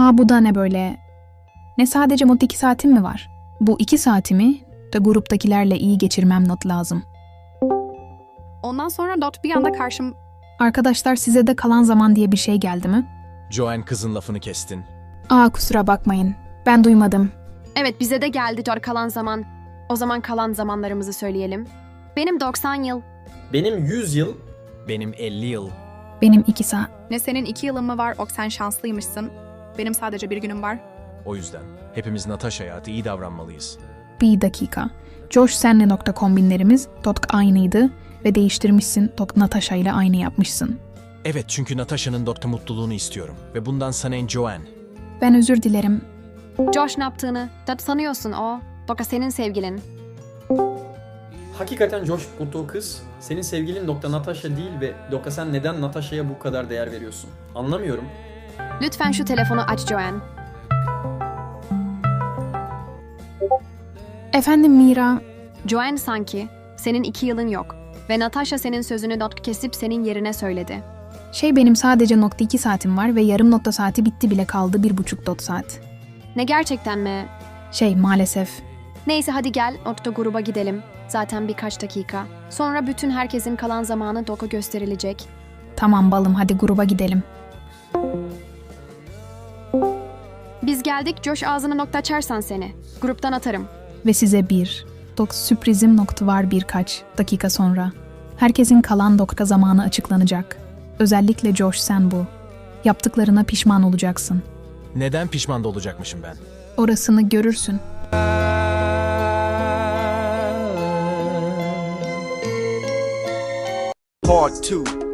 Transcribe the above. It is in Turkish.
Bu da ne böyle? Ne sadece mod 2 saatim mi var? Bu 2 saatimi de gruptakilerle iyi geçirmem not lazım. Ondan sonra Dot bir anda karşım... Arkadaşlar size de kalan zaman diye bir şey geldi mi? Joanne kızın lafını kestin. Kusura bakmayın. Ben duymadım. Evet bize de geldi Dot kalan zaman. O zaman kalan zamanlarımızı söyleyelim. Benim 90 yıl. Benim 100 yıl. Benim 50 yıl. Benim 2 saat. Ne senin 2 yılın mı var, ok sen şanslıymışsın. Benim sadece 1 günüm var. O yüzden hepimiz Natasha'ya iyi davranmalıyız. Bir dakika. Josh senle nokta kombinlerimiz aynıydı ve değiştirmişsin Natasha ile aynı yapmışsın. Evet, çünkü Natasha'nın mutluluğunu istiyorum ve bundan sana en Joanne. Ben özür dilerim. Josh ne yaptığını Dot sanıyorsun o. Doka senin sevgilin. Hakikaten Josh bulduğu kız senin sevgilin Natasha değil ve sen neden Natasha'ya bu kadar değer veriyorsun? Anlamıyorum. Lütfen şu telefonu aç Joanne. Efendim Mira. Joanne sanki senin 2 yılın yok. Ve Natasha senin sözünü Dot kesip senin yerine söyledi. Benim sadece nokta 2 saatim var ve yarım nokta saati bitti bile kaldı 1,5 saat. Ne gerçekten mi? Maalesef. Neyse hadi gel nokta gruba gidelim. Zaten birkaç dakika. Sonra bütün herkesin kalan zamanı Dok'a gösterilecek. Tamam balım hadi gruba gidelim. Biz geldik Josh ağzına nokta açarsan seni. Gruptan atarım. Ve size sürprizim var birkaç dakika sonra. Herkesin kalan nokta zamanı açıklanacak. Özellikle Josh sen bu. Yaptıklarına pişman olacaksın. Neden pişman da olacakmışım ben? Orasını görürsün. Part 2.